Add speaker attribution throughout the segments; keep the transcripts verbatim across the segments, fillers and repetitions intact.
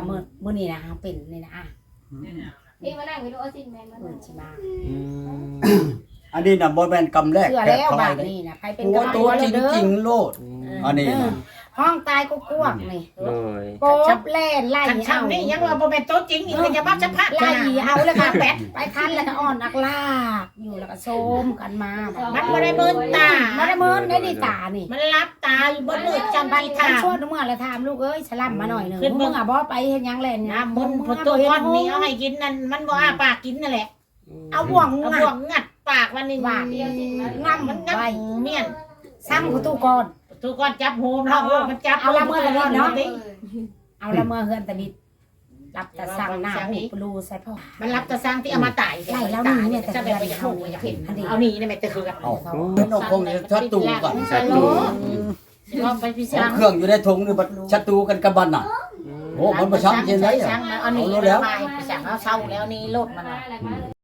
Speaker 1: มื้อมื้อนี้นะเฮาเป็นนี่นะอ่ะ
Speaker 2: พี่มานั่งไปดูเอาสิแม่มา
Speaker 1: เพิ่นสิมา
Speaker 3: อันนี้น่ะบ่แม่นกำแรก
Speaker 1: เชื่อ
Speaker 3: แค่
Speaker 1: แล้ว
Speaker 3: ทา
Speaker 1: บาย ด
Speaker 3: เลย
Speaker 1: นี้นะใครเป็น
Speaker 3: หัว
Speaker 1: กำลัง
Speaker 3: ตัว
Speaker 1: หัว
Speaker 3: จริง
Speaker 1: เด้อ
Speaker 3: จริงโลดอันนี้น่ะ
Speaker 1: ห้องตายก็กวกนี่
Speaker 4: โดย
Speaker 1: โกบแล่นไล่
Speaker 5: คัน
Speaker 1: เอา
Speaker 5: ช่างนี่ยังว่าบ่เป็นโต๊ะจริงอีกเลยจะมาจะพัก
Speaker 1: ไล่เอาแล้วก็
Speaker 5: แปด
Speaker 1: ไปคันแล้วก็อ่อนนักลากอยู่แล้วก็โซมกันมา
Speaker 5: มันบ่ได้เบิ่นตา
Speaker 1: มาได้เมินได้ดีตานี่
Speaker 5: มันรับตาอยู่บนมือจำ
Speaker 1: ไป
Speaker 5: ปี
Speaker 1: ทา
Speaker 5: ทาง
Speaker 1: ชวนเมื่อละถามลูกเอ้ยสลัมมาหน่อยหนึง
Speaker 5: ขึ้นเบิ่
Speaker 1: มึ
Speaker 5: ง
Speaker 1: งอ่ะบ่ไปเฮ็ดหยังแล่น
Speaker 5: น้ำมันพอตัวก้อนนี้เอาให้กินนั่นมันบ่อ้าปากกินนั่นแหละ
Speaker 1: เอาบ่วง
Speaker 5: เอา
Speaker 1: งั
Speaker 5: บ่ว
Speaker 1: ด
Speaker 5: งงัดปากมันนี่
Speaker 1: ว่า
Speaker 2: เดียวสิมา
Speaker 1: งับ
Speaker 5: มันงับ
Speaker 1: ไว้
Speaker 5: เมียน
Speaker 1: ซ้ำกูตู้ก่อน
Speaker 5: ตัวก้อนจับโฮมแล้วมันจับ
Speaker 1: เอาละเมื่อละเมื่อเนาะ
Speaker 2: เออ
Speaker 1: เอาละเมื่อเฮือนตะบิดรับแต่สั่งหน้าหูปลูใส่พ่อ
Speaker 5: มันรับตะสร้างที่เอามาตาย
Speaker 1: ไล่แล้วนี่เนี่ยแต่
Speaker 5: จะแบบไปอยากรู้อยากเห็นเอานี่นี่แม่ตะคือกัน
Speaker 3: เอาเพิ่นเอาคงชัดตูกัน
Speaker 4: ศัตรู
Speaker 5: ก็ไปพิ
Speaker 3: เอา
Speaker 5: จาร
Speaker 3: เครื่องอยู่ในถุงนี่บัดชัดตูกันกับบัดน่ะโอ้มันบ่ช้ำเย็นได้
Speaker 5: ช่า
Speaker 3: อ่ะ
Speaker 5: งเอานี่
Speaker 3: เอาแล้ว
Speaker 5: ไปสั่งเอาเช่าแล้วนี่โลดมัน
Speaker 2: มาแล้วมาแล้ว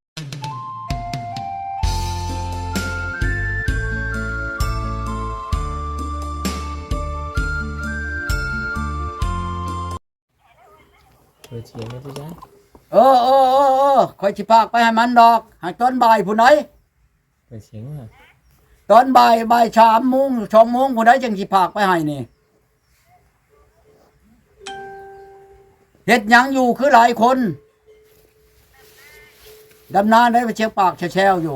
Speaker 4: เปิดเสียงได้ปุ๊จ้า
Speaker 3: เออเออเออเออข่อยสิพากไปให้มันดอกให้ตอนบ่ายผู้ใด
Speaker 4: เปิดเสียงว่า
Speaker 3: ตอนบ่ายบ่ายสามโมงสองโมงผู้ใดจังสิพากไปให้นี่เฮ็ดหยังอยู่คือหลายคนดำนาได้ไปเชียงปากแช่ๆอยู่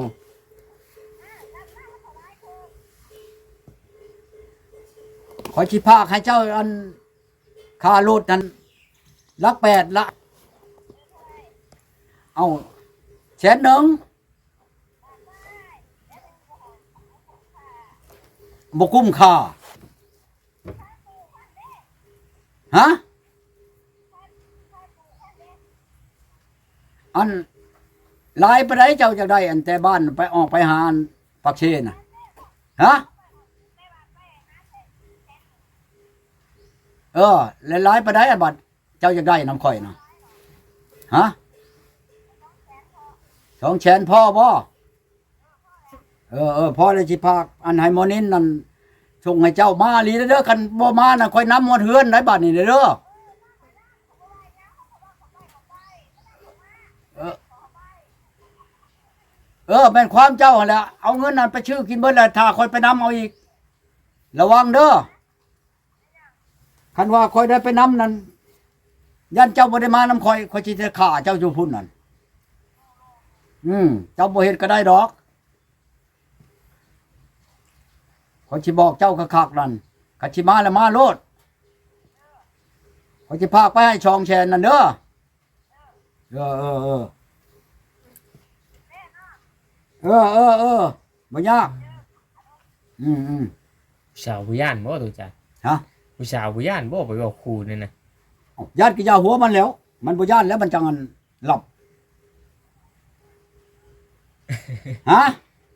Speaker 3: ขอยสิพากให้เจ้าอันค่ารถนั้นลักแปดละเอาแสนหนึ่งบ่คุ้มค่าฮะอันหลายไปไหนเจ้าจะได้อันแต่บ้านไปออกไปหาอันปักเชนน่ะฮะเออแล้วหลายไปไหนอันบัดเจ้าจะได้น้ำข่อยน่ะฮะสองแสนพ่อบ่เออเออพ่อเลยสิพากอันให้หมอนินนั่นส่งให้เจ้ามาลีเด้อคันบ่มาน่ะค่อยนำหมดเฮือนได้บัดนี้เด้อเออเออแม่นความเจ้าหั่นแหละเอาเงินนั้นไปชื่อกินเบิดแล้วถ้าค่อยไปนำเอาอีกระวังเด้อคันว่าค่อยได้ไปนำนั่นยันเจ้าบ่ได้มานำค่อยค่อยสิจะฆ่าเจ้าอยู่พุ่นนั่นอืมเจ้าบ่เฮ็ดก็ได้ดอกขอยสิบอกเจ้าคักๆนั่นกัสิมาแล้วมาโลดขอยสิพาไปให้ช่องแชนนั่นเด้อเออเออเออเออเออเออบ่ยากอืมอืม
Speaker 4: ผู้สาวผู้ย่านบ่ตัวจ้า
Speaker 3: ฮะ
Speaker 4: ผู้สาวผู้ย่านบ่ไปบอกครูนี่นะ
Speaker 3: เอ้าญาติกิยาหัวมันแล้ว มันบ่ย่านแล้วมันจังอันหลับ ฮะ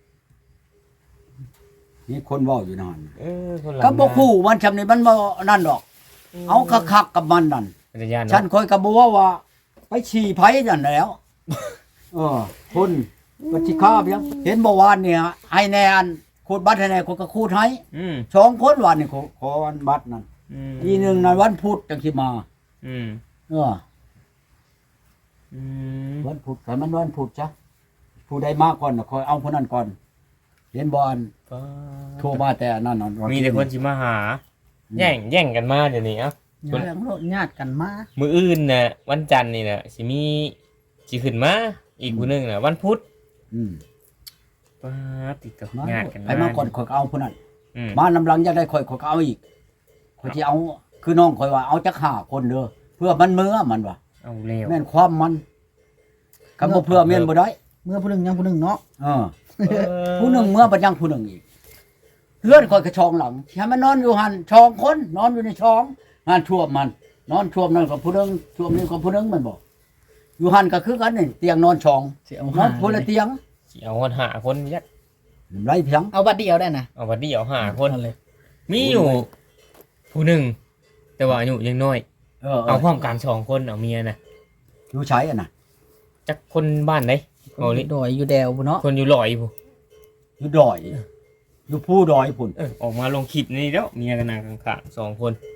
Speaker 3: มีคนเว้าอยู่นั่น
Speaker 4: เออคนหลัง
Speaker 3: ก็บ่คู่มันชำนี่มันบ่นั่นดอก เอาคักๆกับมันนั่น
Speaker 4: เป็นย่าน
Speaker 3: ฉัน
Speaker 4: เนาะ
Speaker 3: คอยก็บ่ว่าว่า ไปฉี่ไผนั่นแหล้ว เออคนปฏิฆาเพียงเห็นบ่วานเนี่ยให้แน่อันคูดบัตรให้แน่คนก็คูดให้
Speaker 4: อืม
Speaker 3: สองคนวันนี่ขอขอวันบัตรนั่น
Speaker 4: อืม
Speaker 3: อีหนึงนั่นวันพุธจังสิมา
Speaker 4: อืม
Speaker 3: เออ
Speaker 4: อืม
Speaker 3: วันพุธกันมันวันพุธจ้ะผู้ใดมาก่อนน่ะคอยเอาคนนั้นก่อน เห็นบ่อัน
Speaker 4: ก็
Speaker 3: โทรมาแต่อันนั่นนั่น
Speaker 4: มีแต่คนสิมาหา แย่งแย่งกันมาเดี๋ยวนี้เอ้า
Speaker 6: เรื่องโลดญาติกันมา
Speaker 4: มื้ออื่นน่ะวันจันทร์นี่น่ะสิมีสิขึ้นมาอีกผู้หนึงน่ะวันพุธ
Speaker 3: อืม
Speaker 4: ป้าดติดกับ
Speaker 3: มา
Speaker 4: ญาติกัน
Speaker 3: ไปมาก่อนคอยก็เอาคนนั้น
Speaker 4: อืม
Speaker 3: มานำหลังอยากได้คอยคอยก็เอาอีกคอยสิเอาคือน้องคอยว่าเอาจักห้าคนเด้อเพื่อมันมื้อมันว่า
Speaker 4: เอาเร็ว
Speaker 3: แม่นความมันคำบ่เพื่อแม่นบ่ได้
Speaker 6: เมื่อผู้หนึงยังผู้หนึงเนาะ
Speaker 3: เออผู้หนึ่งเมื่อบัดยังผู้หนึ่งอีกเลื่อนคอยกระชองหลังให้มันนอนอยู่หันชองคนนอนอยู่ในชองงานท่วมมัน นอนท่วมนั่นกับผู้หนึงท่วมนี่กับผู้หนึงมันบอกอยู่หันก็คือกันนี่เตียงนอนชอง
Speaker 6: สิเอา
Speaker 3: นอ
Speaker 6: หาน
Speaker 3: คนละเตียง
Speaker 4: สิเอาคนหาคนยัด
Speaker 3: ไรเพียง
Speaker 6: เอาบัดเดียวได้นะ
Speaker 4: เอาบัดเดียวหาคน
Speaker 6: เอาเลย
Speaker 4: มีอยู่ผู้หนึ่งแต่ว่าอายุยังน้อย
Speaker 3: เออเอ
Speaker 4: เอา
Speaker 3: อ
Speaker 4: พร้อมกันสองคนเอาเมียนะ
Speaker 3: อยู่ใช้อ่ะนะ
Speaker 4: จักคนบ้านไหนเอาลิ
Speaker 6: ดอยอยู่แดวบ่เนาะ
Speaker 4: คนอยู่ลอยผู้
Speaker 3: อยู่ดอย อยู่ผู้ดอยพุ่น
Speaker 4: เออออกมาลงคลิปนี่แล้วเมียกันนางข้างๆสองคน
Speaker 3: เ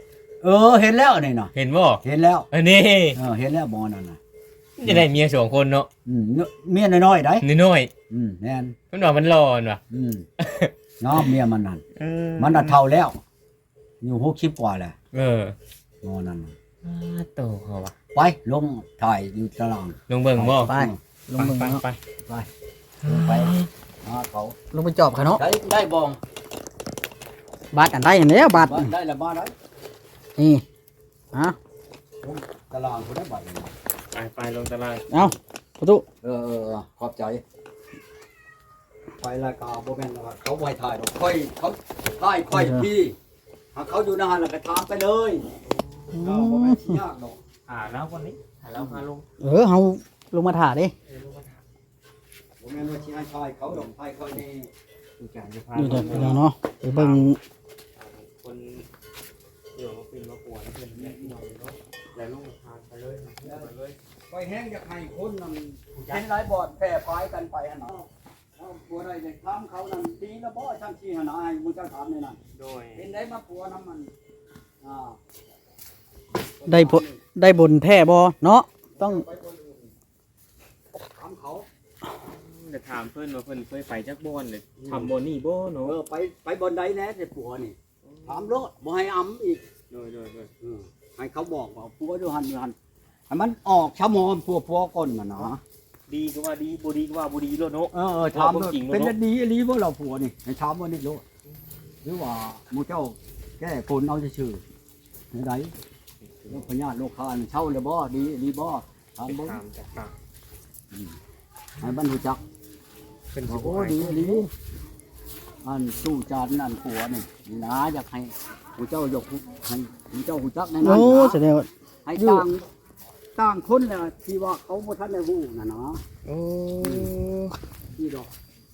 Speaker 3: เออเห็นแล้วนี่น่ะ
Speaker 4: เห็นบ่
Speaker 3: เห็นแล้ว
Speaker 4: อันนี้
Speaker 3: เออเห็นแล้วหมอนั่นน่ะ
Speaker 4: จะได้เมียสองคนเนาะ
Speaker 3: อืมเมียน้อยๆได้
Speaker 4: น้อย
Speaker 3: อืมแน่น
Speaker 4: ๆมันว่ามันร้อนว่ะ
Speaker 3: อืมน้อมเมียมันนั่น
Speaker 4: เออ
Speaker 3: มันน่ะเฒ่าแล้วอยู่หกสิบกว่าแล้ว
Speaker 4: เออ
Speaker 3: หมอนั่นน่ะ
Speaker 4: อ่าโตเขาว่ะ
Speaker 3: ไปลงถ่ายอยู่ตาราง
Speaker 4: ลงเบิ่งบ่
Speaker 6: ไปลงเบิ่ง
Speaker 4: ไป
Speaker 6: เนาะ
Speaker 4: ไป
Speaker 3: ไปลงไปหาเขา
Speaker 6: ลงไปจอบเขาเนาะ
Speaker 3: ได้ได้บอง
Speaker 6: บาดอันใดอันแล้วบาด
Speaker 3: บ้านได้ละบ้านได้
Speaker 6: นี่ฮะ
Speaker 3: ลงตารางคนได้บัตร
Speaker 4: ไปไปลงตาราง
Speaker 6: เอาประตู
Speaker 3: เออเออเออขอบใจไปรายการโบแมนว่าเขาไว้ถ่ายดอกค่อยเขาถ่ายค่อยพี่หากเขาอยู่นานแล้วก็ถามไปเลยเราโบแมนสิยากดอก
Speaker 4: อ่าแล้วคนนี้อ่าแล้วพาลง
Speaker 6: เออเฮาลงมาถ่าดิ
Speaker 3: โบแมนว่าสิให้ถ่ายเขาดอกถ่ายเขานี่
Speaker 4: ดูการจะพา
Speaker 6: อยู่เด้อพี่น้องเนาะไปเบิ่ง
Speaker 4: คนเดี๋ยวมาปีนมาปวดแล้วเป็นแม่พี่น้องเนาะแล้วลงทางไปเลยไปเลย
Speaker 3: ค่อยแห้งอยากให้คนนำเป็นหลายบอดแพร่พายกันไปหั่นเนาะเอาปัวได้เลยถามเขานั่นดีแล้วบ่ช่างชี้หั่นน่ะให้มึงเจ้าถามนี่นั่น
Speaker 4: โดย
Speaker 3: เป็นได้มาปัวน้ำมันอ่า
Speaker 6: ได้ผลได้บนแท้บ่เนาะต้อง
Speaker 3: ไปบนอื่นถามเขา
Speaker 4: จะถามเพิ่นว่าเพิ่นเคยไปจักบ่อนเลยทำบ่นี่บ่
Speaker 3: เอ
Speaker 4: เนาะ
Speaker 3: อไปไปบนใดแน่แต่ปัวนี่ถามรถบ่ให้อำอีก
Speaker 4: โดยโดยโดย
Speaker 3: เออให้เขาบอกว่าปัวดูหันดูหันให้มันออกชะมอมปัวปัวก้นมันเนาะ
Speaker 4: ดีก็ว่าดีบ่ดีก็ว่าบ่ดีโลดเนาะ
Speaker 3: เออเออถาม
Speaker 4: ว่าบ่
Speaker 3: ด้วย
Speaker 4: จริงเนอะ
Speaker 3: เป็นอันดีอันนี้บ่เราปัวนี่ให้ถามว่านี่โลดหรือว่าหมู่เจ้าแก้คนเอาชื่อๆไหนโรคพยาธิโรคคานเช่าเลยบ่ดีดีบ่ถามบ่
Speaker 4: ตามจากปาก
Speaker 3: ให้บรรทุจัก
Speaker 4: เพิ่นสิ
Speaker 3: บอก
Speaker 4: บ่
Speaker 3: โอ้
Speaker 4: ให้
Speaker 3: ดีดีอันตู้จานอันผัวนี่นี่นะอยากให้ผู้เจ้ายกให้ผู้เจ้าผู้จักในนั้น
Speaker 6: โอ้
Speaker 3: นะ
Speaker 6: แสดงว่า
Speaker 3: ให้ต่างต่างคนน่ะที่ว่าเขาบ่ทันได้ฮู้น่ะเนาะ
Speaker 4: โอ้
Speaker 3: นี่ดอก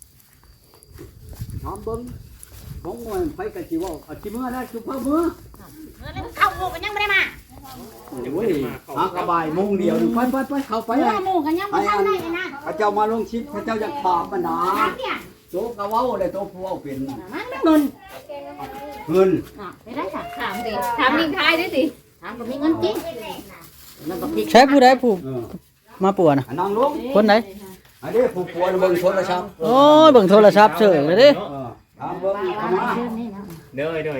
Speaker 3: ถามเบิ่งของมันไปก็สิเว้าเอาสิมื้อแล้วสุภาพมื้อ
Speaker 5: เข้าหมู่กันยังไม่ได้มา
Speaker 3: โอ้ยหากระบายโมงเดียวนี่ไปไปไปเข้าไป
Speaker 5: เมื่
Speaker 3: ให้
Speaker 5: อหมู่กันยังไม่เข้าได้เลยนะ
Speaker 3: พระเจ้ามาลงชิดพระเจ้าอยากถามมันนะ
Speaker 5: ถามเนี่ย
Speaker 3: โตกะเว้าเลยโตผู้เว้าเป็นน่ะ
Speaker 5: มันไม่เงิน
Speaker 3: เงิน
Speaker 5: อ่ะไปได้ค่ะ
Speaker 2: ถามสิถามนิ่งท้ายด้วยสิ
Speaker 5: ถามก็มีเงินจริงนั่นก็ผิด
Speaker 6: ใช้ผู้ใดผู้
Speaker 3: เออ
Speaker 6: มาปัวน่ะ
Speaker 3: อันนั่งลง
Speaker 6: คนไหน
Speaker 3: อันนี้ผู้ป่วยเบิ่งโทรศัพท์
Speaker 6: โอ้ยเบิ่งโทรศัพท์เฉยเลยเด้
Speaker 3: เออถามเบิ่งเอามา
Speaker 4: เด้อเด้อ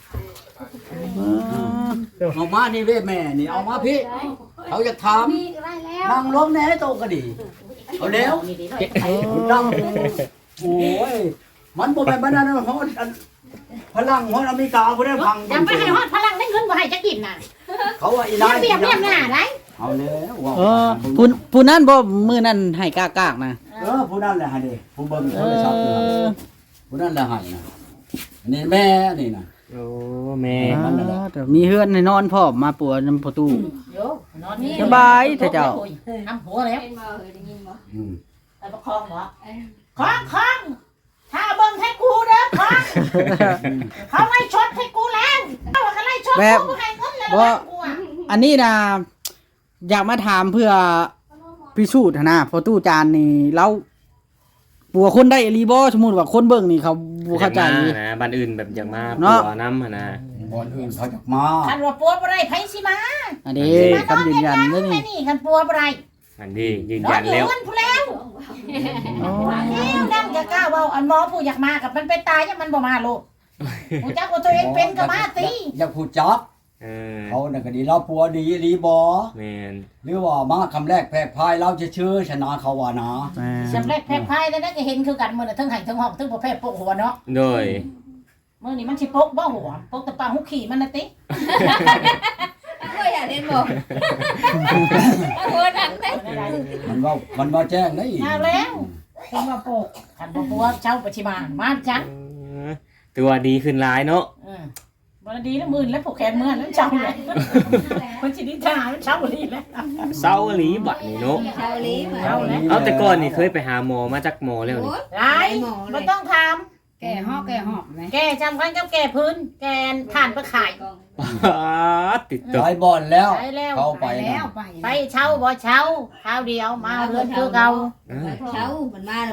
Speaker 3: เอามานี่เว้ยแม่นี่เอามาพี่เขาจะถาม
Speaker 2: มีก็ได้แล้ว
Speaker 3: นั่งลงแน่โตก็ดีเอาแล้วนั่งโอ้ยมันบ่แม่นบ้านนั้นฮอดอันพลังฮอดอเมริกาบ่ได้ฟัง
Speaker 5: ยังไปให้ฮอดพลังได้เงินบ่ให้จะกินน่ะ
Speaker 3: เขาว่าอี
Speaker 5: เรี
Speaker 3: นาย
Speaker 5: ยบเรียบเรียบหน้าได้
Speaker 3: เอาแล้วว่า
Speaker 6: เออผู้ผู้นั้นบ่มื้อนั้นให้กากากๆนะ
Speaker 3: เออผู้นั้นแหละให้เด้ผู้เบิ่ง
Speaker 6: เอ
Speaker 3: โทรศัพท์อยู่
Speaker 6: อ
Speaker 3: ผู้นั้นแหละให้นะอันนี้แม่นี่นะ
Speaker 4: โอ้แม่
Speaker 3: มันนั่นแหละ
Speaker 6: แต่มีเฮือนให้นอนพร้อมมาปัวนํประตู
Speaker 5: โยนอนนี่
Speaker 6: สบายเถอะเจ้า
Speaker 5: น้ำหัวแล้ว
Speaker 2: เป็นบ่เคยได้ยินบ่
Speaker 3: อืม
Speaker 5: ไปประคองเหรอคล้องคล้องถ้าเบิ่งให้กูเด้อคล้องเขาไล่ชดให้กูแล้วเขาก็ไล่ชดกูกูให้เงินแล้วนะกูอ่ะ
Speaker 6: อันนี้นะอยากมาถามเพื่อพิสูจน์หั้นนะเพอตู้จานนี่เราปัวคนได้อีหลีบ่สมมุติว่าคนเบิ่งนี่เขาบ่เข้าใจ
Speaker 4: อยกมนะบ้านอื่นแบบอยากมา
Speaker 6: เนาะ
Speaker 4: ปัวน้ำหั่นนะ
Speaker 3: บอนอื่นเขาจะมา
Speaker 5: คันว่าปัวบ่ได้ไผสิมา
Speaker 6: อันนี้คำยืนยันเด้อ
Speaker 5: แม่
Speaker 6: นี่
Speaker 5: นี่คันปัวบ่ได้
Speaker 4: อันนี้ยืน
Speaker 5: นอ
Speaker 4: ยั
Speaker 5: น
Speaker 4: น
Speaker 5: อยู่
Speaker 4: แล้ว
Speaker 5: เงินผู้แล้ว
Speaker 6: อ๋อ
Speaker 5: แล้วนั่นจะกล้าเว้าอันหมอผู้อยากมากับมันไปตายยังมันบ่มาโลกกูจักว่าตัวเองเป็นก็มาติ
Speaker 3: อยากพูดจัก
Speaker 4: เออ
Speaker 3: เขาน่ะก็ดีเราปัวดีรีบอ
Speaker 4: แม่น
Speaker 3: หรือว่ามาคำแรกแพรกพายเราจะชื่อชนะเขาว่านะ
Speaker 6: แม่
Speaker 5: สำเร็จแพร่พายแล้วนั่นก็เห็นคือกันมื้อน่ะทั้งไห้ทั้งหอกทั้งบ่แพ้ปกหัวเนาะ
Speaker 4: โดย
Speaker 5: มื้อนี้มันสิปกบ่หัวปกแต่ปลาหุกขี่มันน่ะติ
Speaker 2: ก็อยากเล่นบ่โอ้นั่นเด้
Speaker 3: มันว่ามันว่าแจ้งได้อีก
Speaker 5: เอาแล้วถึงว่าปกคันบ่ปัวเช้าไปสิมามาจัง
Speaker 4: เออตัวดีขึ้นหลายเนาะ
Speaker 5: เออบ่ดีแล้วมื่นแล้วผูกแขนมื่นแล้วเช้าเลยมันสิได้ท่ามันเช้าดีแล้ว
Speaker 4: เศร้าอีหลีบัดนี่เนาะ
Speaker 2: ชาวลีมา
Speaker 5: เอาแล้ว
Speaker 4: เอาแต่ก่อนนี่เคยไปหาหมอมาจากหมอแล้วนี่
Speaker 5: หลายบ่ต้องถาม
Speaker 2: แก่หอกแก่หอกไหม
Speaker 5: แกจำกันกับแกพื้น แกนผ่านไปขาย
Speaker 4: ป๊าดติด
Speaker 3: ห
Speaker 4: ตัว
Speaker 3: ลายบอลแล้ว
Speaker 5: ไปแล้ว
Speaker 3: เข้าไป
Speaker 2: แล้
Speaker 3: นะ
Speaker 2: วไป
Speaker 5: ไปเช่าบ่เช่าข้าวเดียวมาเรือนคือเก่า
Speaker 4: เออ
Speaker 2: เช้ามันมาแล้ว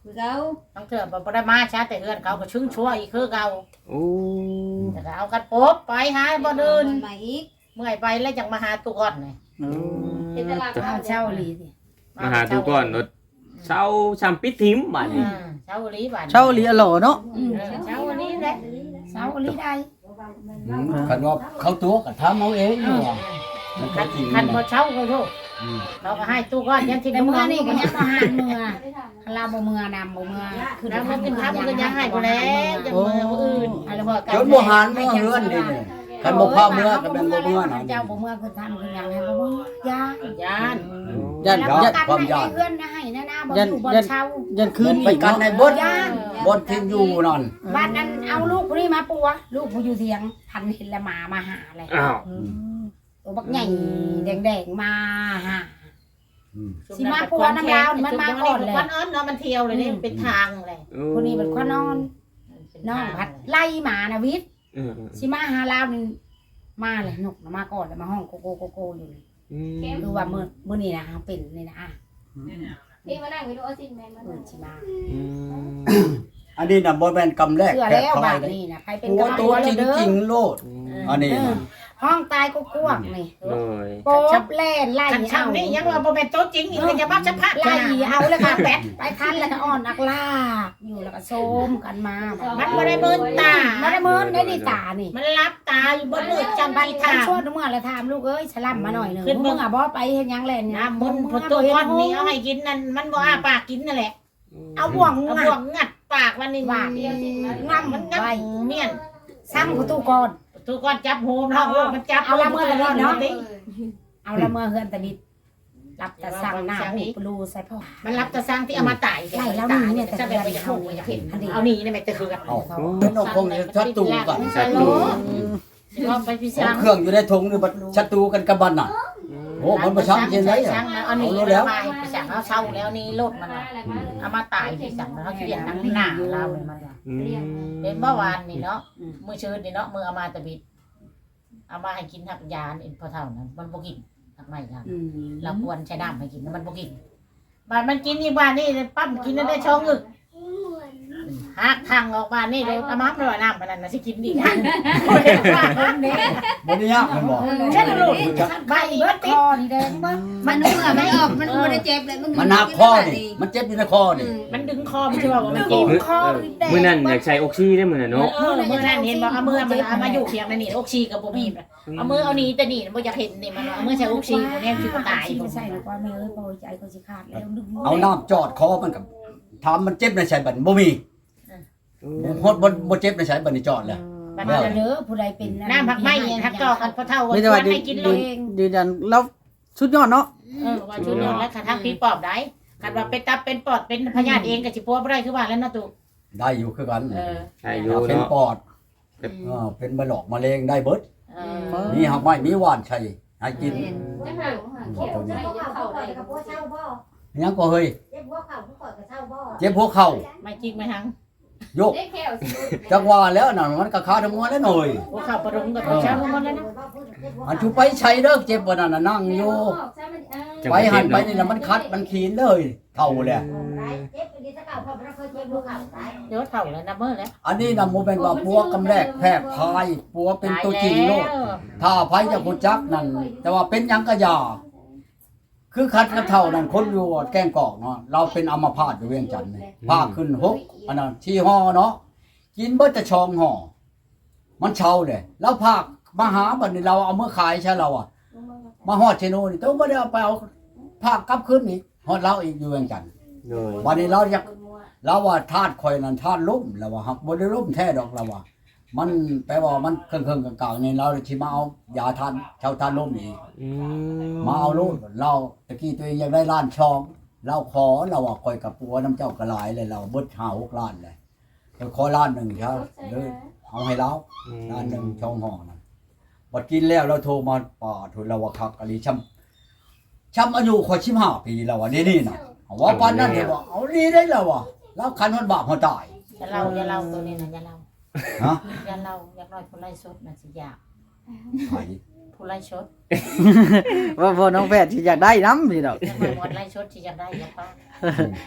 Speaker 2: คือเขา
Speaker 5: ต้องเถื่อบ่ได้มาช้าแต่เฮือนเขาก็ชึ้งชั่วอีกคือเก่า
Speaker 4: โอ้
Speaker 5: แต่ก็เอากันปุ๊บไปหาบ่เดิน
Speaker 2: ใหม่อีก
Speaker 5: เมื่อยไปแล้วจังมาหาตุก่อนนี่
Speaker 6: เออ
Speaker 2: เป็นตลาด
Speaker 1: เอาเช่าลีสิ
Speaker 4: มาหาทุกก่อนรถเช้าชามปิดทิมบัด
Speaker 5: อื
Speaker 4: นี้
Speaker 5: มเช้าลีบาด
Speaker 6: เช่าเหลียหล่อเนาะ
Speaker 1: อืม
Speaker 5: เออเช้าลีแหละ
Speaker 1: เช่าลีได้
Speaker 3: อืมคันว่าเขาตัวก็ทำเอาเองอยู่ว่ามันก็
Speaker 5: คัน
Speaker 3: จริง
Speaker 5: คัน
Speaker 3: นะ
Speaker 5: บ่เช้าก็โทษ
Speaker 3: อืม
Speaker 5: เราก็ให้ตุก่อนยันที่
Speaker 1: แต่
Speaker 5: น้ำ
Speaker 1: เมื่อ
Speaker 5: มัน
Speaker 1: นี่
Speaker 5: นี่
Speaker 1: ก็
Speaker 5: ก็
Speaker 1: ยั
Speaker 5: ยัง ง
Speaker 1: มาหานเมื่อคาราบ่เมื่อนำบ่เมื่อ
Speaker 5: แล้วมันเป็นทับมันก็ยังให้บ่แล้วจังมือผู้อื่นอะไรบ่
Speaker 3: จนบ่หันบ่เฮือนนี่นี่คันบ่พาเมื่อก็เป็นบ่เมื่อน่ะ
Speaker 1: เจ้าบ่เมื่อคือทำคือหยังให้บ่เมื่อยา
Speaker 5: ย่าน
Speaker 6: ยัน
Speaker 1: แล้ว
Speaker 6: ยัน
Speaker 1: กัน
Speaker 3: ความ
Speaker 1: ให้
Speaker 3: ยาก
Speaker 1: เพื่อนนะให้นะนะบ่
Speaker 6: ยัน
Speaker 1: อยู่บ่
Speaker 6: ยัน
Speaker 1: เช่า
Speaker 6: ยันคืน
Speaker 3: ไป
Speaker 6: อีก
Speaker 3: กันใน
Speaker 6: เนาะ
Speaker 3: เบิด
Speaker 1: ย่าน
Speaker 3: บนที่อยู่นั่น
Speaker 1: บ้านนั้นเอาลูกผู้นี้มาปัวลูกผู้อยู่เถียงพันเห็นละหมามาหาเลย
Speaker 4: อ้าว
Speaker 1: ตัวบักใหญ่แดงๆมาหา
Speaker 3: อืม
Speaker 1: สิมาปัวน้ำลาวนี่มันมาก่อนเลย
Speaker 5: วันอ้อนเนาะมันเที่ยวเลยนี่เป็นทางเลย
Speaker 1: ผู้นี้เป็นข้อนอนน้องพัดไล่หมานะวิทย์
Speaker 4: เออ
Speaker 1: สิมาหาลาวนี่มาเลยนกน่ะมาก่อนแล้วมาห้องโกโกโกโกอยู่นี่
Speaker 4: อืม
Speaker 1: คือว่ามื้อมื้อนี้นะเป็นนี่นะอ่ะ
Speaker 2: พี่มานั่งไปดูเอาสิแม่มา
Speaker 1: มื้อสิมา
Speaker 4: อืม
Speaker 3: อันนี้น่ะบ่แม่นกำแรก
Speaker 1: เชื่อ
Speaker 3: แค่
Speaker 1: แล้ว
Speaker 3: พา
Speaker 1: บาย ด
Speaker 3: เลย
Speaker 1: นี้นะใครเป็น
Speaker 3: หัว
Speaker 1: กำลัง
Speaker 3: ตัว
Speaker 1: หัว
Speaker 3: จ
Speaker 1: เลยเด้อ
Speaker 3: ริงๆโลด อันนี้น่ะ
Speaker 1: ห้องตายก็กวกนี่
Speaker 4: โอ้ย
Speaker 1: โป๊บแล่นไล่
Speaker 5: คัน
Speaker 1: เอา
Speaker 5: ช่ำนี่ยังว่าบ่เป็นโต๊ะจริงอีกเลยจะมาจะพัก
Speaker 1: ไล่เอาแล้วก็แปดไปคันแล้วก็อ่อนนักลากอยู่แล้วก็โซมกันมา
Speaker 5: มันบ่ได้เบิ่นตา
Speaker 1: ไม่ได้เมินได้ดีตานี่
Speaker 5: มันรับตาอยู่บนมือจำ
Speaker 1: ไป
Speaker 5: ปี
Speaker 1: ทา
Speaker 5: ทาง
Speaker 1: ชวนเมื่อแล้วถามลูกเอ้ยฉลับมาหน่อยหนึ่ง
Speaker 5: ขึ้น
Speaker 1: มึงอ่ะบ่ไปเห็นยังแล่น
Speaker 5: น้ำมันพอตัวก้อนนี้เอาให้กินนั่นมันบ่อ้าปากกินนั่นแหละ
Speaker 1: เอาบ่วง
Speaker 5: เอา
Speaker 1: งั
Speaker 5: บ่ว
Speaker 1: ด
Speaker 5: งงัดปากมันนี่
Speaker 1: ว่า
Speaker 2: เดียวสิมา
Speaker 1: งับ
Speaker 5: มั
Speaker 1: มัน น
Speaker 5: งั
Speaker 1: งั
Speaker 5: บบ เมียน
Speaker 1: ซ้ำประตูก่อน
Speaker 5: ตัวก้อนจับโฮมแล้วมันจับ
Speaker 1: เอาละเมื่อตะลิดเนาะ
Speaker 5: ดิ
Speaker 1: เอาละเมื่อเฮือนตะลิดรับแต่สั่งหน้าหูปลูใส่พ่อ
Speaker 5: มันรับตะสร้างที่เอามาตาย
Speaker 1: ไล่แล้วนี่เนี่ยแต่
Speaker 5: จะ
Speaker 1: เดื
Speaker 5: ไป
Speaker 1: อน
Speaker 5: อยาก
Speaker 1: เขา
Speaker 5: รู้
Speaker 1: อ
Speaker 5: อยาก
Speaker 1: ยาก
Speaker 5: เห็
Speaker 1: เห็
Speaker 5: น
Speaker 1: นอันนี้
Speaker 5: เอานี่นี่ไม่ตะคือกัน
Speaker 3: เอาเป็นเอาคงชัดตูกัน
Speaker 4: ชัดตู
Speaker 5: ก็ไปพิ
Speaker 3: เอา
Speaker 5: จาร
Speaker 3: เครื่องอยู่ในถุงนี่บัดชัดตูกันกับบันน่ะโอ้มันบ่ช้ำเย็นเลยอ่ะ
Speaker 5: เอานี่แล้วไปสั่งเอาเช่าแล้วนี่รถมันเอามาตายไปสั่งแล้วเขาเขียนนั่งหน้าเราเลยมัน
Speaker 4: อืม
Speaker 5: เห็นเมื่อวานนี่เนาะมือชื้นนี่เนาะมือเอามาตะบิดเอามาให้กินทักยาเอ็นพอเท่านั้นมันบ่กินทักไม่ครับ
Speaker 1: อืม
Speaker 5: เราควรใช้น้ำให้กินมันบ่กินบ้านมันกินอีกบ้านนี่ปั๊มกินได้ช่องอึกหักทางออกบ้านนี่เลยเอามาไม่ว่าน้ำปานนั้นนะสิกินดีนะ
Speaker 3: บ่ได้ยากมันบ่
Speaker 5: เช่นลูกบ้าน
Speaker 1: ไอ้
Speaker 5: อี
Speaker 1: เบิ
Speaker 5: เบิ
Speaker 1: ด
Speaker 5: ด
Speaker 1: ค
Speaker 5: ติ
Speaker 1: อนี่แดงเบิด
Speaker 2: มันเมื่อมันออกมันบ่ได้เจ็บเลยมึง
Speaker 3: มันหักคอนี่มันเจ็บอยู่ในคอนี่
Speaker 5: มันดึงคอมันใช่ป่าวมัน
Speaker 1: ดึ
Speaker 5: เจ็บ
Speaker 1: งคอนี่แดง
Speaker 4: มื้อนั้นอยากใช้ออกซิได้มื้อน่ะเนาะ
Speaker 5: เออมือนั่นเห็นบอกเอามือมันเอามาอยู่เพียงนั่นนี่อกชีกับบ่มีเอามือเอานี้แต่นี่บ่อยากเห็นนี่มันเอามือใช้อกชีเนี่ยคือตาย
Speaker 1: ไม่ใช่หรอกว่าแม่เอ้ยพอใจก็สิขาดแล้วดึง
Speaker 3: เอาน้ำจอดคอมันกับถามมันเจ็บในสายบันบ่มีฮอดบ่บ่เจ็บในสายบันนี่จอดแล้ว
Speaker 5: บัด
Speaker 1: มา
Speaker 5: นั้น
Speaker 1: เด้อผู้ใดเป็น
Speaker 5: น้ำผักไม้เนี่ยทักจอกันพอเท่า
Speaker 6: ไม่ได้ว่า
Speaker 5: ให้กินเล
Speaker 6: ยื
Speaker 5: ย
Speaker 6: นยืนยันแล้วสุดยอดเนาะ
Speaker 5: เออว่าชุดนี้แล้วคันทักผีปอบได้คันว่าเป็นตับเป็นปอดเป็นพยาธิเองก็สิปัวบ่ได้คือว่าแล้วนะตุ
Speaker 3: ได้อยู่คือกัน
Speaker 5: เออ
Speaker 4: ใช่อยู่
Speaker 3: เป็น
Speaker 4: เนาะ
Speaker 3: ปอดเออเป็นมะหลอกมะเร็งได้เบิด
Speaker 5: เออ
Speaker 3: มีหักไม้มีหวานชัยให้กิน
Speaker 2: จะหาเขียวจะเข้าได้กับพวกเช่าบ่
Speaker 3: ยังก็เฮ้ย
Speaker 2: เจ็บหัวเข่าผู้ก่อนกับเช่าบ่
Speaker 3: เจ็บหัวเข่า
Speaker 5: ไม่จริงไม่ทั้ง
Speaker 3: โยก
Speaker 2: ได้แค่สิ
Speaker 3: จังหวะแล้วน่ะมันก็ขาทั้งมวลแล้วหน่อย
Speaker 5: หัวเข่าประดุมกับเช้าลงมาแล้วนะ
Speaker 3: อันชูไปใช้เด้อเจ็บบ่นั่นน่ะนั่งอยู่ไปหันไปนี่น่ะมันคัดมันขีนเลยเท่าแหละ
Speaker 2: เจ็บดีสักเก่าพอเราเคยเจ็บหัวเข่าตาย
Speaker 5: เดี๋ยวเท่าแล้วนะเมื่อแล้ว
Speaker 3: อันนี้น่ะบ่แม่นว่าปัวกำแรกแพร่พายปัวเป็นตัวจริงโลด ถ้าไผจะฮู้จักนั่นแต่ว่าเป็นหยังก็อย่าคือคัดกระเท่านั่นคนอยู่แกล้งกอกเนาะเราเป็นอัมพาตอยู่เวียงจันทน์นี่พาขึ้นหกอันนั้นที่ห่อเนาะกินเบิดแต่ชองห่อมันเช่าเลยแล้วภาคมาหาบัดนี้เราเอามาขายใช่เราอ่ะมาฮอดเชโนนี่ต้องบ่ได้เอาไปเอาภาคกลับคืนนี่ฮอดเราอีกอยู่เวียงจันทน์
Speaker 4: โดย
Speaker 3: วันนี้เราอยากเราว่าธาตุข่อยนั่นธาตุลมแล้วว่าฮักบ่ได้ลมแท้ดอกเราว่า มันแปลว่ามันเครื่องๆกลางๆนี่เราสิมาเอายาทานชาวทานลมนี่
Speaker 4: อืม
Speaker 3: มาเอาลูกเราตะกี้ตัวเองอยากได้ล้านช่องเราขอเราว่าคอยกับปัวน้ำเจ้ากระลายเลยเราเบิดห้าหกล้านเลยเราขอล้านหนึ่งเช้าเลยเอาให้เราล้านหนึ่งช่องห้องนะบัดกินแล้วเราโทรมาป่าทุนเราว่าคักอะไรช้ำช้ำอายุคอยชิมห้าปีแล้ววะนี่นี่นะว่าปานนั้นเดี๋ยวบอกเอาดีได้แล้ววะแล้วคันมันบาปหัวตาย
Speaker 5: อย่าเล่าอย่าเล่าตัวนี้นะอย่าเล่า
Speaker 3: ฮะ
Speaker 5: อย่าเล่าอยากน้อยผู้ไล่ชดนะสิอยาก
Speaker 3: ไผ
Speaker 5: ผู้ไล่ชด
Speaker 6: ว่าพอน้องแพทย์สิอยากได้น้ำพี่ดอก
Speaker 5: อยากน้อยหมดไล่ชดที่อยากได้อยากป้า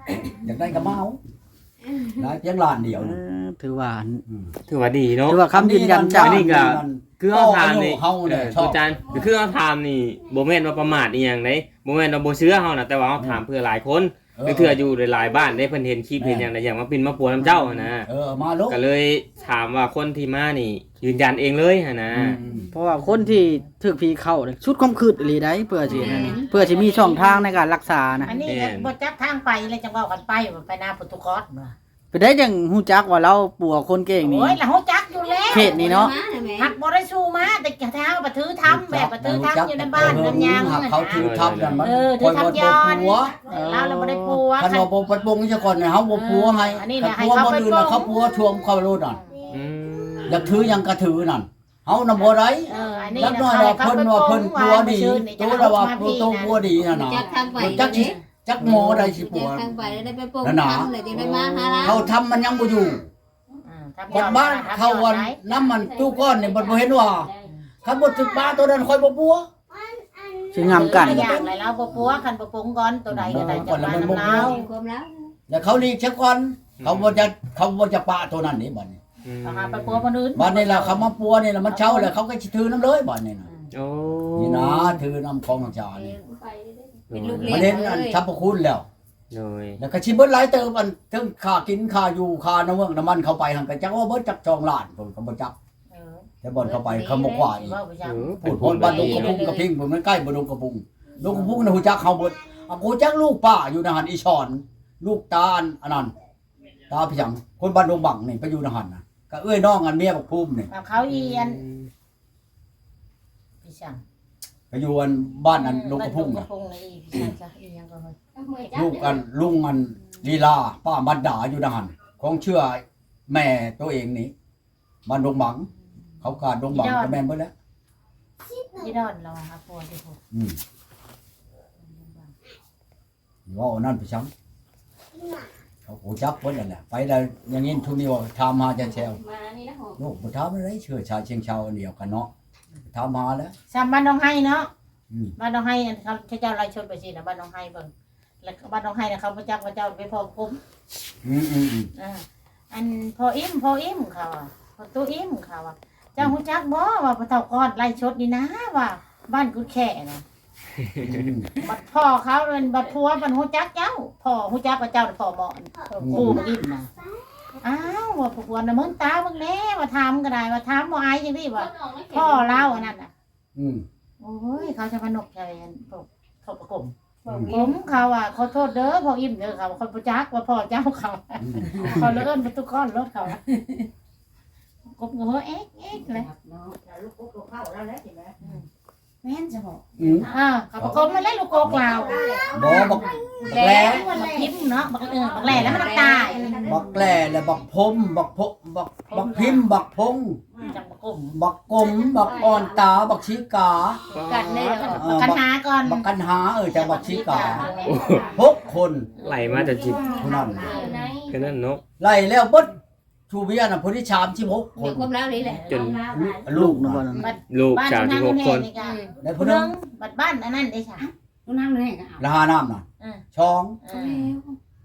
Speaker 3: อยากได้ก็มาเอาได้เพียงล้านเดียว
Speaker 6: เอ
Speaker 3: นะ
Speaker 6: อถือว่า
Speaker 3: อืม
Speaker 4: ถือว่าดีเนาะ
Speaker 6: ถือว่าคำยืนยันจาก
Speaker 4: อันนี้ก็ คือเอาถามนี่
Speaker 3: เฮา
Speaker 4: เอ
Speaker 3: เนี่ย
Speaker 4: อ
Speaker 3: ชอ
Speaker 4: ตู
Speaker 3: บ
Speaker 4: จานคือเอาถามนี่บ่แม่นว่าประมาทอีหยังเด้บ่แม่นว่าบ่เชื่อเฮานะแต่ว่าเฮาถามเพื่อหลายคนเทื่ออยู่หลายๆบ้านได้เพิ่นเห็นคลิปเห็นหยังได้อย่างมาปินมาปัวน้ำเจ้าหั่นนะ
Speaker 3: เออมาลูก
Speaker 4: ก็เลยถามว่าคนที่มานี่ ยืนยันเองเลยหั่นนะ
Speaker 3: อืม
Speaker 6: เพราะว่าคนที่ถูกผีเข้าเนี่ยชุดความคืดอีหลีได้เพื่อสินั่นนี่เพื่อสิมีช่องทางในการรักษานะ
Speaker 5: อันนี้บ่จักทางไปเลยจังเว้ากันไปว่าไปนาโปรตุเกสบ่
Speaker 6: ไปได้จังฮู้จักว่าเราปัวคนเก่งนี่
Speaker 5: โอ้ยแล้วฮู้จักอยู่แล้ว
Speaker 6: เขตนี้เนาะ
Speaker 5: หักบ่ได้สู้มาแต่กะเท้าบ่ถือทำแบบบ่ถือทำอยู่ในบ้านน้ำยาง
Speaker 3: หักเขาถือทำนั่นมัน
Speaker 5: เออถือทำย้อน
Speaker 3: ปัว
Speaker 5: เราเราบ่ได้ปัว
Speaker 3: คันว่าบ่ปัดปงซะก่อนเนี่ยเฮาบ่ปัวให้
Speaker 5: อันนี้
Speaker 3: คั
Speaker 5: น่ะ
Speaker 3: น
Speaker 5: ให้
Speaker 3: ปัว
Speaker 5: เขา
Speaker 3: บ่
Speaker 5: ไป
Speaker 3: อื่น
Speaker 5: ปัว
Speaker 3: น่ะเขาปัวช่วงเขาโลดนั่น
Speaker 4: อืม
Speaker 3: อยากถือหยังก็ถือนั่นเฮานำบ่ได้
Speaker 5: เอออันนี้
Speaker 3: จัก
Speaker 5: นะ
Speaker 3: น้อยว่าเพิ่นว่าเพิ่นปัวดีตัวละว่าปัวโตปัวดีนั่นน่ะ
Speaker 2: จักทางไป
Speaker 3: จักสิจักหมอได้สิปั
Speaker 2: จั
Speaker 3: ว
Speaker 2: กทางไปได้ไปปลูก
Speaker 3: นั่นน่ะ
Speaker 2: ทำเลยจึงได้มาหาเรา
Speaker 3: เขาทำมันยังบ่อยู่ บัดบ้านเขาวันน้ำมันตู้ก้อนนี่บ่บ่เห็นว่าคันบ่ถึกบ้าตัวนั้นค่อยบ่ปัว
Speaker 6: สิงามกัน
Speaker 5: อย่างไรเราบ่ปัวคันบ่ปรุงก่อนตัวใดก็ได้จะมาน้ำเรา
Speaker 2: ความแล้ว
Speaker 3: แล้วเขาลีกซะก่อนเขาบ่จะเขาบ่จะปะตัวนั้นนี่บัดนี้
Speaker 4: อืม
Speaker 5: เอาหาไปปัวคนอื่น
Speaker 3: บัดนี้ล่ะเขามาปัวนี่ล่ะมันเช่าแล้วเขาก็สิถือน้ำเลยบัดนี้น่ะ
Speaker 4: โอ้
Speaker 3: นี่นะถือน้ำของจานี่
Speaker 2: เป็นลูก
Speaker 3: มา
Speaker 2: เลี้
Speaker 3: เล่
Speaker 2: ย
Speaker 3: น
Speaker 2: ง
Speaker 3: อัน
Speaker 2: เลย
Speaker 3: ทัพพระคุณแล้ว
Speaker 4: โดย
Speaker 3: แล้วก็สิเบิดหลายเติมอันทั้งค่ากินค่าอยู่ค่าน้ำเมืองน้ำมันเข้าไปหั่นก็จักว่าเบิดจักจองล้านผมก็บ่จักแต่บ่อนเข้าไปเขาบ่กว่าอีก
Speaker 4: เออ
Speaker 3: พูดพนบ้านดงกระพุงกระพิงผมมันใกล้บ้านดงกระพุงดงกระพุงนะหูจักเขาเบิดอ่ะกูจักลูกป้าอยู่ในหันอีชอน ลูกตาอันอันนั้นตาพี่จังคนบ้านดงบังนี่ไปอยู่ในหันนะก็เอ้ยน้องอันเมียบักภูมินี่
Speaker 5: เขาเอียนพี่ช่าง
Speaker 3: ไปอยู่อันบ้านอันดงกระพุง
Speaker 5: กระ
Speaker 3: น่ะ
Speaker 5: พุงนี่พี่ช่างจ้ะอีหยังก็เฮ้ย
Speaker 3: ลูกอันลุงอันลีลาป้าบัดดาอยู่ในหันของเชื่อแม่ตัวเองนี่บ้านดงบัง เขากาดดงบังก็แม่นเบิดแล้ว
Speaker 5: ยี่ดอนเราหาปัวที่พวก
Speaker 3: อืมว่าอันนั่นพี่จังเขาหูจักเบิดนั่นแหละไปได้อย่างนี้ทุกนี้ว่าทำมาจะแชว
Speaker 2: มานี่นะหอม
Speaker 3: ลูกบ่ถามอะไรเชื่อชายเชียงชาวอันเดียวกันเนาะถามมาแล้ว
Speaker 5: สามบ้านน้องไห้เนาะ
Speaker 3: อืม
Speaker 5: บ้านน้องไห้อันเขาเจ้าไล่ชนไปสินะบ้านน้องไห้เบิ่งแล้วบ้านน้องไห้เนี่ยเขาพระเจ้าพระเจ้าไปพอคุ้ม
Speaker 3: อืมอืมอืม
Speaker 5: อ่าอันพออิ่มพออิ่มเขาอ่ะพอตู้อิ่มเขาอ่ะเจ้าหูจักบ่ว่าพระเฒ่าก้อนไล่ชดนี่นะว่า บ้านกูแค่นะ
Speaker 3: อืม
Speaker 5: บัดพ่อเขาเป็นบัดผัวมันหูจักเจ้าพ่อหูจักว่าเจ้าน่ะพ่อหมอนกูมาอิ่มนะอ้าวว่าผัวน่ะมึงตามึงแน่ว่าถามก็ได้ว่าถามบ่อายจังซี่ว่าพ่อเล่าอันนั้นน่ะ
Speaker 3: อืม
Speaker 5: โอ้ยเขาจะพนกใจอันพวกพวกประกบ
Speaker 3: อืม
Speaker 5: ผมเขาอ่ะขอโทษเด้อพ่ออิ่มเด้อเขาคนประจักว่าพ่อเจ้าเขา
Speaker 3: อืม
Speaker 5: เขาเลื่อนประตูก้อนรถเขากบหัวเอ๊ะเอ๊ะเลย
Speaker 1: แม่นจะบอก
Speaker 3: อืม
Speaker 5: อ่าเขาประกบมาเล่นลูกโกกลาว
Speaker 3: บ่บัก
Speaker 5: แหล่บักพิมพ์เนาะบักเออบักแหล่แล้วมันตาย
Speaker 3: บักแกล้และบักพมบักพบักบักพิมพ์บักพง
Speaker 5: จังประกบ
Speaker 3: บักกลมบักอ่อนตาบักชีกา
Speaker 2: กันได้แล้ว
Speaker 3: เออ
Speaker 5: กัน
Speaker 3: บัก
Speaker 5: หาก่อน
Speaker 3: บักกันหาเออจังบักชีกาหกคน
Speaker 4: ไหลมาจากจิต
Speaker 3: เท่านั้น
Speaker 4: แค่นั้นเนาะ
Speaker 3: ไล่แล้วเบิดชูเบียน่ะผู้ที่ชามสิบหกค
Speaker 2: เดี๋ย
Speaker 3: น
Speaker 2: วความแล้วนี่แหละ
Speaker 4: จน
Speaker 3: ลูก
Speaker 6: นะ
Speaker 3: นะ
Speaker 6: บ่นั้น
Speaker 4: ลูก
Speaker 5: บ้าน
Speaker 4: สามสิ
Speaker 5: ทา
Speaker 4: บ
Speaker 5: ง
Speaker 4: ห
Speaker 5: คุ
Speaker 4: ก
Speaker 5: ณ
Speaker 4: ค
Speaker 5: แห่
Speaker 4: น
Speaker 5: นี่กัน
Speaker 3: แล้ว
Speaker 5: ผู้
Speaker 3: ผู้
Speaker 5: นึ
Speaker 3: นึ
Speaker 5: ง
Speaker 3: ง
Speaker 5: บัดบ้านอันนั้นได้ค่ะ
Speaker 1: ต้องนั่งเลยก็เอา
Speaker 3: ละหาน้ำน่ะ
Speaker 5: อืม
Speaker 3: ช่อง
Speaker 5: อืม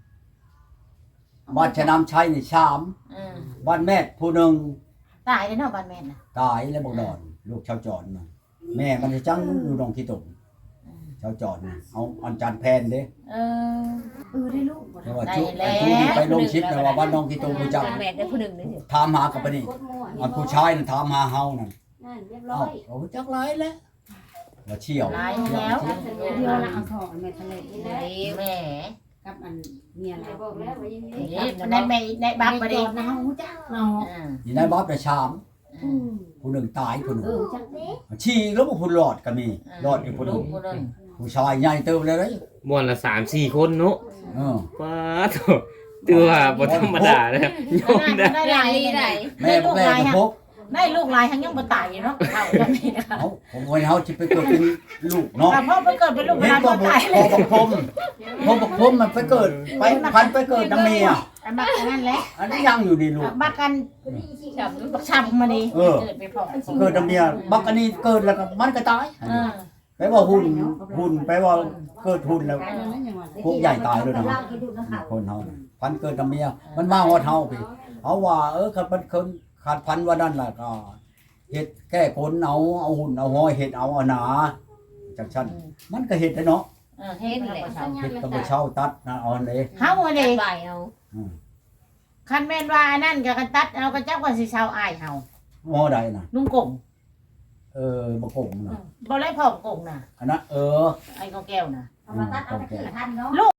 Speaker 3: บ้านชะนำชัยนี่ชาม
Speaker 5: อืม
Speaker 3: บ้านแม่ผู้หนึง
Speaker 5: ตายเลยเนาะบ้านแม่น่ะ
Speaker 3: ตายแล้วบอกดอนลูกชาวจอนน่ะแม่มันจะจังอยู่ดองที่ตุ่มชาวจอนน่ะเอาอันจานแพนเด้
Speaker 5: เออ
Speaker 1: เออได้ลูกบ่
Speaker 3: แต่ว่าชุบไอ้ชุบนี่ไปลงชิปนะว่าบ้านน้องที่ตุ่มรู้จัก
Speaker 2: แม่ได้ผู้หนึ่งนี่สิ
Speaker 3: ถามหากับปะนี่อันผู้ชายน่ะถามหาเฮานั่น
Speaker 2: นั่นเรียบ
Speaker 3: เอ้า
Speaker 2: ร้อย
Speaker 3: โอ้จักหลายแล้วว่าเชี่ยว
Speaker 5: หลายแล้ว
Speaker 1: เดียวละเอาทองแม่ทะเล
Speaker 5: แม่
Speaker 1: กับอันเมียเรา
Speaker 2: บอกแล้วว่ายังไง
Speaker 5: นี่ในแม่ในบักบ่ได้
Speaker 1: นะเฮาจักเนาะ
Speaker 5: อืม
Speaker 3: นี่นายบ๊อบได้ชาม
Speaker 1: อืม
Speaker 3: ผู้หนึ่งตายผู้หนึ่ง
Speaker 1: เออจักเด้
Speaker 3: ชี้แล้วบ่ผู้รอดก็มีรอดอีกผู้หนึ่
Speaker 5: ลู
Speaker 3: ง
Speaker 5: กผู้นึง
Speaker 3: ผู้ชายใหญ่เติบเลยเด้ย
Speaker 4: ม่วนละสามสี่คนเนาะ
Speaker 3: เออ
Speaker 4: ป้าโถตือว่าบ่ธรรมดาเลยโยมได้
Speaker 5: ได้หลาย
Speaker 2: ได้
Speaker 3: แม่บอกแม่ก็พก
Speaker 5: ได้ลูกหลายทั้งยังบ่ตายอยู่เนาะเฒ่าจังนี้นะคะ
Speaker 3: เอ้าผมว่าเฮาสิไปเกิดเป็นลูกเนาะ
Speaker 5: แต่พ่อไปเกิดเป็นลูกห
Speaker 3: เห็น
Speaker 5: ลาน
Speaker 3: บ่
Speaker 5: บ่
Speaker 3: บ่
Speaker 5: ตาย
Speaker 3: พอบักพรมพอบักพรมมันไปเกิดไปพันไปเกิดน้ำเมีย
Speaker 5: อันบักอันนั้นแหละ
Speaker 3: อันนี้ยังอยู่ดีลูก
Speaker 5: บักกันบักช้ำมานี่เกิดไปพอ
Speaker 3: เกิดน้ำเมียบักอันนี้เกิดแล้วก็มันก็ตาย
Speaker 5: เออ
Speaker 3: แปลว่าหุ่นหุ่นแปลว่าเกิดหุ่นแล้วพวกใหญ่ตายเลยนะคนเฮาพันเกิดกับเมียมันมาฮอดเฮาพี่เอาว่าเออคันมันคนขาดพันว่านั่นล่ะก็เฮ็ดแก้คนเอาเอาหุ่นเอาห้อยเฮ็ดเอาเอาหนาจังซั่นมันก็เฮ็ดได้เนาะ
Speaker 5: เออเฮ็ดแหละ
Speaker 3: เฮ็ดก็บ่เช่าตัดนะเอาอันนี้
Speaker 5: เฮาอันนี้
Speaker 2: ใบเอา
Speaker 5: คันแม่นว่าอันนั้นก็กันตัดเอาก็จักว่าสิชาวอ้ายเฮา
Speaker 3: หมอใดน่ะ
Speaker 5: ลุงกง
Speaker 3: เออบ่กงน่ะ
Speaker 5: บ่ได้พร้อมกงน่ะ
Speaker 3: อันนั้นเออ
Speaker 5: ไอ้กองแก้วน่ะ
Speaker 1: เอามาตัดเอาตะกี้ทันเนาะ